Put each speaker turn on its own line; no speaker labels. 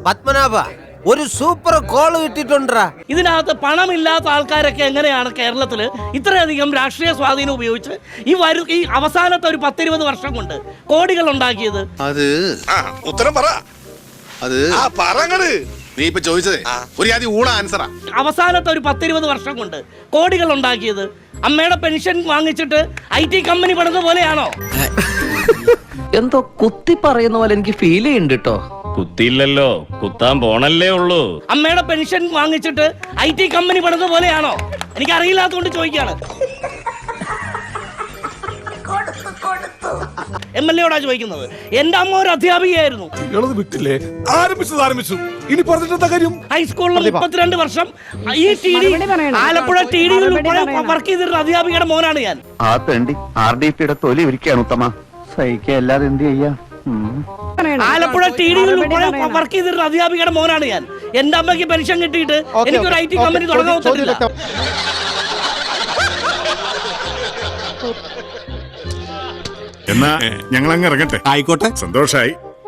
പത്മനാഭ ഒരു super call കിട്ടിട്ടുണ്ടാ.
ഇതിനകത്ത് പണമില്ലാത്ത ആൾക്കാരൊക്കെ എങ്ങനെയാണ് കേരളത്തിൽ ഇത്രയധികം രാഷ്ട്രീയ സ്വാധീനം ഉപയോഗിച്ച് ഈ അവസാനത്തെ ഒരു 10-20 വർഷം കൊണ്ട് കോടികൾ ഉണ്ടാക്കിയത്?
അത് ഉത്തരം പറ. അത് നീ ഇപ്പൊ ചോദിച്ചതേ ഒരു ആദ്യം ഊണ ആൻസറാ.
അവസാനത്തെ ഒരു 10-20 വർഷം കൊണ്ട് കോടികൾ ഉണ്ടാക്കിയത് അമ്മയുടെ പെൻഷൻ വാങ്ങിച്ചിട്ട് IT കമ്പനി പണിത പോലെയാണോ?
എന്തോ കുത്തി പറയുന്ന പോലെ എനിക്ക് ഫീൽ ചെയ്യുന്നുണ്ട് കേട്ടോ.
കുത്തിയില്ലല്ലോ, കുത്താൻ പോണല്ലേ ഉള്ളൂ.
അമ്മയുടെ പെൻഷൻ വാങ്ങിച്ചിട്ട് IT കമ്പനി പണിത പോലെയാണോ? എനിക്ക് അറിയില്ലാത്തതുകൊണ്ട് ചോദിക്കാണ്. MLA യോടാ ചോദിക്കുന്നത്. എന്റെ അമ്മ ഒരു അധ്യാപികയായിരുന്നു. ഹൈസ്കൂളിൽ 32 വർഷം ഈ ആലപ്പുഴ TD വർക്ക് ചെയ്തിരുന്ന അധ്യാപികയുടെ മോനാണ് ഞാൻ.
ആ തണ്ടി RDPയുടെ തൊലി ഒരിക്കലാണ് ഉത്തമ. സഹിക്കല്ലാതെ എന്ത് ചെയ്യാ?
ആലപ്പുഴ TD വർക്ക് ചെയ്തിരുന്ന അധ്യാപികയുടെ മോനാണ് ഞാൻ. എന്റെ അമ്മയ്ക്ക് പെൻഷൻ കിട്ടിയിട്ട് എനിക്കൊരു IT കമ്പനി തുടങ്ങാൻ പറ്റില്ല.
എന്നാ ഞങ്ങൾ അങ്ങ് ഇറങ്ങട്ടെ. ആയിക്കോട്ടെ, സന്തോഷായി.